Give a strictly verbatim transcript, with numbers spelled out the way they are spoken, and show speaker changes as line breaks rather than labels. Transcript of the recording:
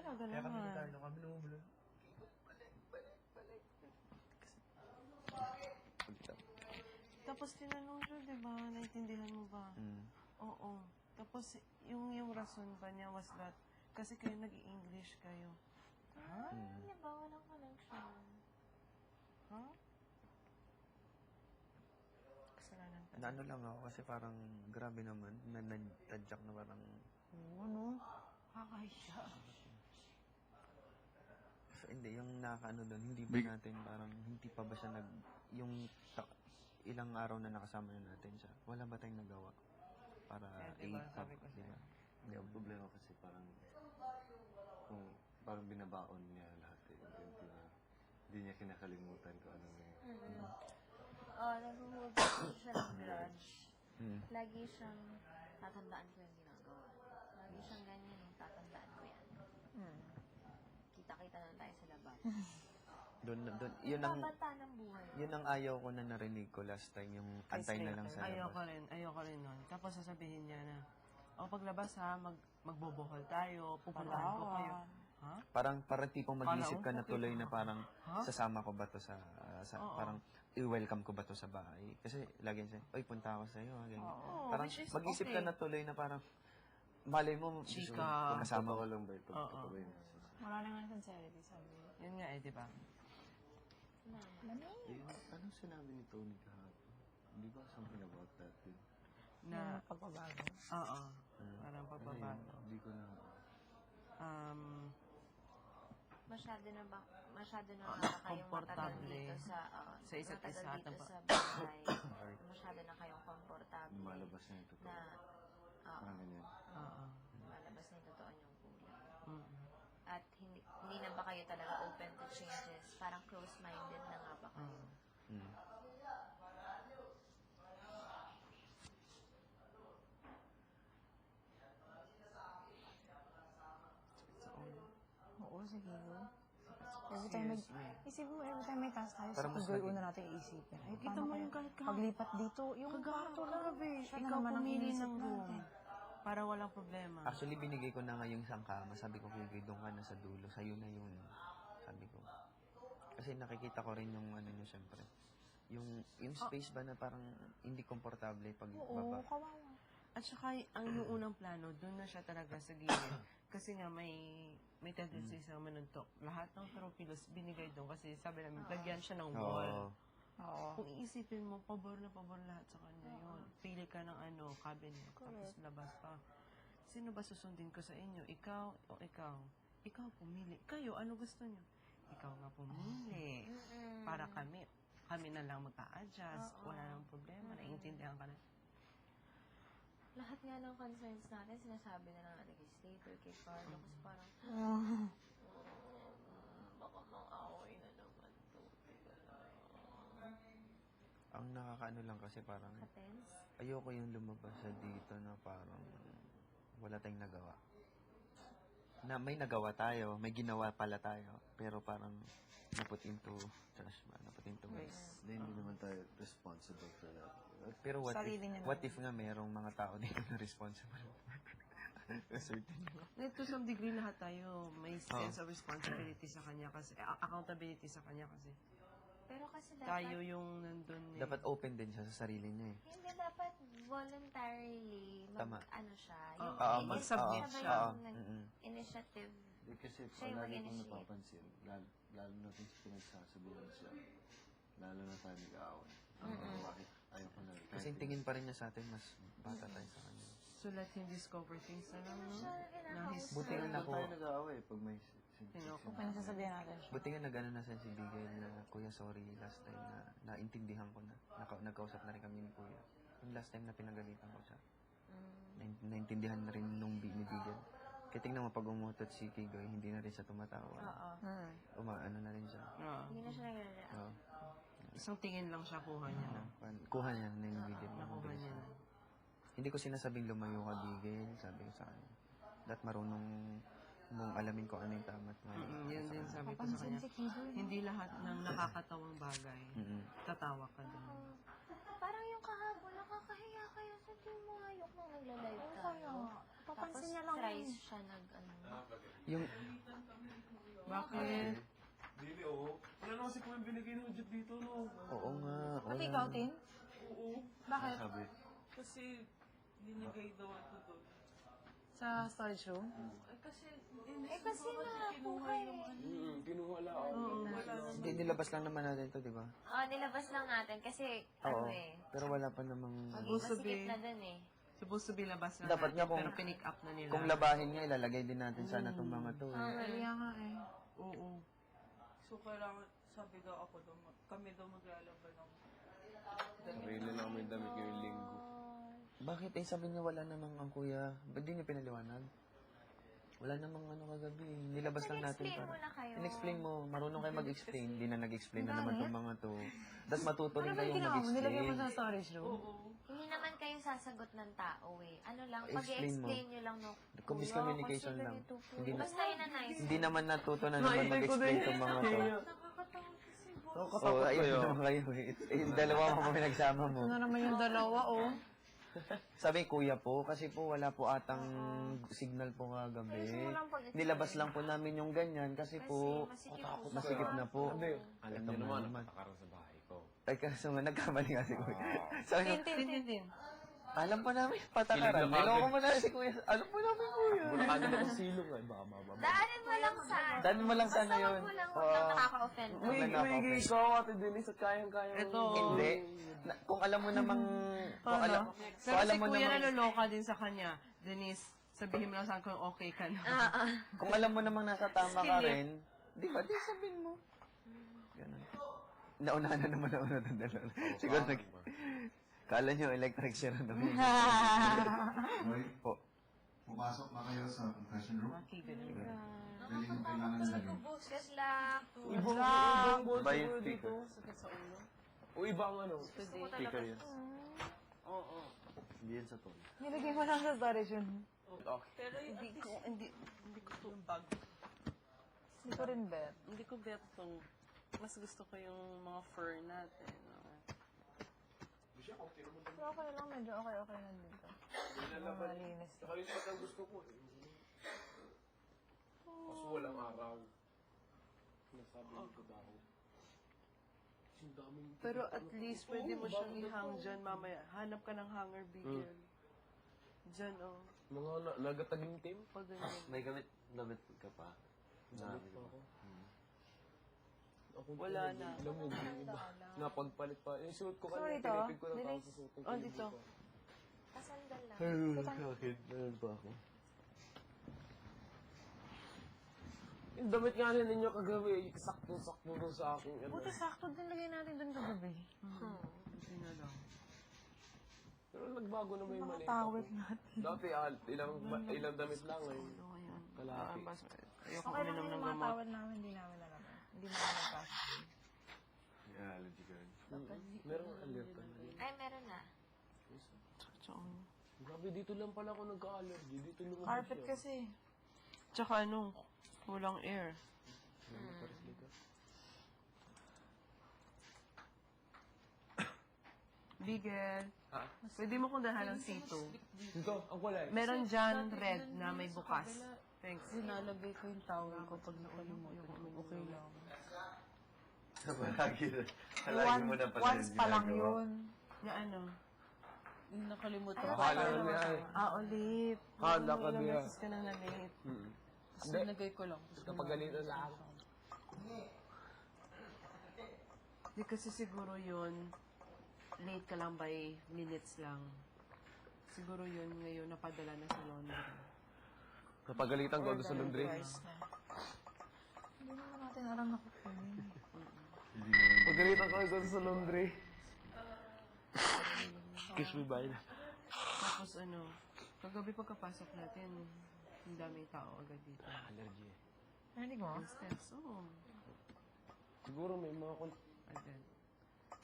Talaga
Kaya kami ni
naman.
Carlo, kami lumubula. Balik, balik, balik.
Tapos tinanong siya, di ba? Naintindihan mo ba?
Mm.
Oo. Tapos yung yung rason pa niya was that kasi kayo nag-i-English kayo.
Ah,
Mm.
di ba? Walang connection.
Ha? Kasalanan ka.
Na ano lang ako kasi parang grabe naman. Na nagtadyak na parang...
Oo, ano? Kakahiya.
So, hindi, yung nakakaano doon, hindi ba natin parang, hindi pa ba siya nag... Yung ta- ilang araw na nakasama na natin siya, wala ba tayong nagawa? Para
Kaya diba,
i-
sabi ko
di
sa'yo.
ba?
Hindi, ang problema kasi parang kung parang binabaon niya lahat eh. Hindi niya, hindi niya kinakalimutan kung ano yung...
Mm-hmm. Oo, nag-hold siya ng grudge.
Hmm.
Lagi siyang tatandaan ko yung ginagawa. Lagi siyang ganyan yung tatandaan ko yan.
Hmm.
Kita-kita na tayo sa labas.
Doon, doon, yun ang,
Babata ng buhay.
yun ang ayaw ko na narinig ko last time, yung antay na lang sa
Ayoko
labas.
rin, ayoko rin nun. Tapos sasabihin niya na, o paglabas ha, mag, magbobohol tayo, pupuntahan ko kayo. Ha?
Parang, parang tipong mag-isip ka na
Kala ko,
tuloy na parang,
Ha?
sasama ko ba to sa, uh, sa
Oo.
parang, i-welcome ko ba to sa bahay? Kasi, lagi siya, oy, punta ako sa iyo, ganyan.
Oo,
Parang,
which is
mag-isip
okay.
ka na tuloy na parang, malay mo,
Chika.
kasama
Totoo
ko.
lang ba ito?
Oo.
Totoo yun.
Wala na nga sincerity, sabi.
Yun nga eh, di ba?
Eh, anong sinabi ni Tony kahapon? Di ba something about that din?
Na,
Yung pagbabago.
oo,
Hmm.
parang
Ano
pagbabago.
yun? Hindi ko na...
Um,
Masyado na ba, masyado na ba kayong matagal
Komportable.
dito sa, uh,
Sa isa't
matagal
isa,
dito
tama.
sa bahay. Masyado na kayong komportable.
Lumalabas na yung totoo.
Na, oo,
Parang ganyan.
oo.
lumalabas na yung totoo niyong kulang.
Mm-mm.
At hindi, hindi na ba kayo talaga open to changes? Parang close-minded na nga ba kayo?
Hmm.
It's all.
Oo, sige. Go. Every time may, isipin mo, every time may task tayo,
Para
sa
mas
Kigoy,
lagi-
una natin iisipin. Ay,
Kita
paano
mo
kaya
yung kahit ka-
paglipat dito, yung
Kagato
kwarto,
grabe.
siya na
Ikaw
naman ang
pumili
inisip
ng room.
natin.
Para walang problema.
Actually, binigay ko na nga yung isang kama. Sabi ko, Kiki, doon ka na sa dulo. Sa'yo na yun. Sabi ko. Kasi nakikita ko rin yung ano nyo, syempre. Yung, yung space ba na parang hindi komportable pag
Oo,
baba.
kawawa.
At saka, ang yung unang plano, doon na siya talaga sa gilid. Kasi nga, may may tendency sa manuntok. Lahat ng trophilos binigay doon kasi sabi namin, lagyan siya ng wall.
Oo.
Oo.
Kung iisipin mo, pabor na pabor lahat sa kanya yun. Pili ka ng ano, cabinet, tapos labas pa. Sino ba susundin ko sa inyo? Ikaw o ikaw? Ikaw pumili. Kayo, ano gusto niyo? Ikaw nga pumili. Para kami, kami na lang mag-a-adjust. Wala nang problema. Naiintindihan ka na.
Lahat nga ng concerns natin, sinasabi na lang natin kay Slater, kay Carlo, kasi parang,
Ah,
baka mang-away na naman to.
Ang nakakaano lang kasi parang,
Ka-tense?
ayoko yung lumabas sa dito na parang wala tayong nagawa. Na may nagawa tayo, may ginawa pala tayo, pero parang naput into trash ba? Naput into waste.
Hindi, hindi naman tayo responsible for that.
Pero what
Sarili
if,
niya
what
naman.
if nga mayroong mga tao dito na responsible? Certain.
Like, to some degree, lahat tayo may sense of responsibility sa kanya kasi, eh, accountability sa kanya kasi.
Pero kasi dapat,
Tayo yung nandun eh.
Dapat open din siya sa sarili niya eh.
hindi dapat voluntarily, mag,
Tama.
ano siya,
Oo,
yung
Oo,
ini-
mag-submit
siya.
siya.
Yung nag-
Mm-mm.
initiative.
Hindi kasi
Siya yung
lagi kong
mag-initiate.
napapansin, lalo, lalo na kung pinagsasabihan siya, lalo na tayo nag-aaway. Bakit ayaw ko na.
Kasi yung tingin pa rin niya sa atin, mas bata tayo sa kanya.
So let him discover things na lang, no?
Siya
Na his,
kinakausap.
Buti nga
Hindi
nako,
tayo nag-aaway pag may
Tinoko.
kung nasasabihan natin siya.
buti nga nag-ano na siya si Bigay na, Kuya, sorry, last time na naintindihan ko na. Naka, nagkausap na rin kami ni Kuya. Yung last time na pinagalitan ko siya.
Mm.
Na, naintindihan na rin nung bi- ni Bigay. Kaya tingnan mo, pag umutot si Kigoy, hindi na rin siya tumatawa.
Oo.
Hmm.
Umaano na rin siya.
Oo.
Hindi na siya nag-react.
Oo.
Isang tingin lang siya, kuha niya na.
Pan- Kuha niya na yung Bigay.
Nakuha niya na.
Hindi ko sinasabing lumayo ka, Bigay. Sabi ko sa kanya. Dapat marunong mong alamin ko ano yung tama at mali.
Mm, yun din sabi ko sa
Papansin
kanya.
si Kigoy.
Hindi lahat ng nakakatawang bagay,
Mm-mm.
tatawa ka din.
Parang yung kahapon, nakakahiya kayo sa team mo. Ayok nang nagla-live
Oo,
tayo.
kaya. Papansin
Tapos,
niya lang
try surprise siya nag, ano.
Yung,
Bakit?
Dili, oo. Wala naman si Kuya binigay ng budget dito, no?
oo nga.
Pati
oo.
ikaw, Tin?
Oo.
Bakit?
Sabi,
Kasi, binigay daw ito doon.
Sa storage room?
Ay, kasi,
Eh, kasi nakuha eh.
Hmm, kinuha lang ako. Wala naman.
Hindi, nilabas lang naman natin to, di ba?
Oh, nilabas lang natin kasi,
Oo.
ano eh,
Pero wala pa namang...
Supposed to
masikip
be-
na dun eh.
Supposed to be labas na
Dapat
natin,
nga kung-
pero pinick up na nila.
Kung labahin nga, ilalagay din natin sana itong mga to. Eh.
Ah, kaya nga eh.
Oo.
So, kailangan, sabi daw ako daw, mag- kami daw maglalaban ng
sarili lang may damit ngayong linggo.
Bakit? Eh, sabi niya wala namang ang kuya. Ba't di niyo pinaliwanag? Wala namang ano kagabi. Nilabas lang natin
Explain
para.
mo na kayo.
In-explain mo. Marunong kayo mag-explain. Hindi na nag-explain na naman itong mga to. Tapos matuto rin
Ano ba
kayong
yung ginawa mo? Nilagay mo
mag-explain.
sa storage room?
Hindi naman kayo sasagot ng tao eh. Ano lang,
Explain mo.
pag-i-explain nyo lang no.
Kung miscommunication lang. Hindi na,
Basta yun na nice.
hindi naman natuto na naman mag-explain itong mga to. Oo, oh, ayun naman kayo eh. Eh, yung dalawa mo kami nagsama mo.
Ano naman yung dalawa, oh?
Sabi, kuya po, kasi po wala po atang signal po kagabi. Nilabas lang po namin yung ganyan kasi po
masikip po.
masikip na po.
Alam
Ito
niyo
nga
naman,
naman.
nakakaroon sa bahay ko.
Ay, kaso nga, nagkamali nga si kuya. Sabi,
Tin, tin, tin.
Tin.
alam pa namin, patakaran.
Kilig na
Niloko
kagad.
mo na si kuya. Alam po namin, kuya.
Ano na kung silong ay baka mababa.
Daanin mo lang sa ano.
Dami mo lang sana
Basta
yun.
wag mo lang, wag lang
Oo.
nakaka-offend.
May- may
Umigay ikaw, Ate Denise, at kayang-kaya.
Ito.
Hindi. Na, kung alam mo namang... Kung
Ano?
alam,
Pero
kung alam
si
mo
kuya
namang...
naluloka din sa kanya. Denise, sabihin mo lang sa akin kung okay ka na.
Ah, ah.
Kung alam mo namang nasa tama ka
Skillet.
rin, di ba, di sabihin mo. Ganun. Naunahan na naman ako na itong dalawa. Siguro nag... Kala nyo, electric chair na naman.
Roy,
Po.
pumasok na kayo sa confession room.
Okay, ganun.
Dali yung kailangan sa room.
Good luck.
Ibang, ibang boss
Ba
ko
yung
dito.
speaker?
Sakit sa ulo. O ibang ano.
Speaker yun.
Oo.
Hindi yan sa tone.
Nilagay mo lang sa storage room.
Pero
Hindi ko, hindi, hindi ko to bag.
Hindi ko rin bet.
Hindi ko bet tong, mas gusto ko yung mga fur natin. ah.
Pero okay lang, medyo okay-okay na dito. Malinis.
Nakalipat ang gusto ko. eh. Kaso walang araw. Nasabi ko daw. Ang daming...
Pero at least pwede mo siyang ihang dyan mamaya. Hanap ka ng hanger bigel. Dyan, oh.
Mga na, nagataging team?
Pag ganyan.
May gamit, gamit ka pa.
Gamit pa ako. Ako
Wala na.
Lamog yung iba. Napagpalit pa. Yung suot ko
So,
kanina,
dito?
pinipig ko lang
Dilis?
tapos susuotin ko
Oh,
yung
dito.
iba.
Pasandal lang.
Bakit? Meron pa ako.
Yung damit nga rin ninyo kagabi, sakto-sakto doon sa akin. Ano.
Buti sakto din lagay natin doon kagabi.
Buti na lang.
Pero nagbago na may
Mga
mali.
tawid natin.
Dati ah, ilang, ba- ilang damit lang eh.
Ano ngayon?
Kalahati.
Ah, bas- Ayoko
Okay lang
uminom
yung
ng
mga
gamot.
tawad namin, hindi namin alam. Hindi namin nagpas.
May allergy ka rin.
Meron alert ka na.
Ay, meron na.
Tsaka,
Grabe, dito lang pala ako nagka-allergy. Dito lumabas
Carpet
siya.
kasi.
tsaka ano, kulang air. Bigel.
Ha?
Pwede mo kong dahan ng C two.
Dito, ang kulay.
Meron dyan red na may bukas. Thanks.
Sinalagay ko yung towel ko pag nakalimutan ko. Okay lang.
Palagi na. Palagi mo na pala
Once
yung
pa lang
ginagawa.
yun.
Na ano?
Yung nakalimutan
Akala lang niya eh.
Ah, ulit.
Kala ka
Ilang
niya.
beses ka na na-late.
Hindi,
Sinagay ko lang.
kapag galitan na ako.
Di kasi siguro yun, late ka lang by minutes lang. Siguro yun ngayon napadala na sa laundry.
Napagalitan ko doon sa laundry.
Twice na. Hindi naman natin alam na kukunin.
Hindi naman.
Pagalitan ko doon sa laundry. Kiss me bye.
Tapos ano, kagabi pagkapasok natin, ang daming tao agad dito.
Allergy.
Narinig mo?
Ang steps, oo.
Siguro may mga kon...
Agad.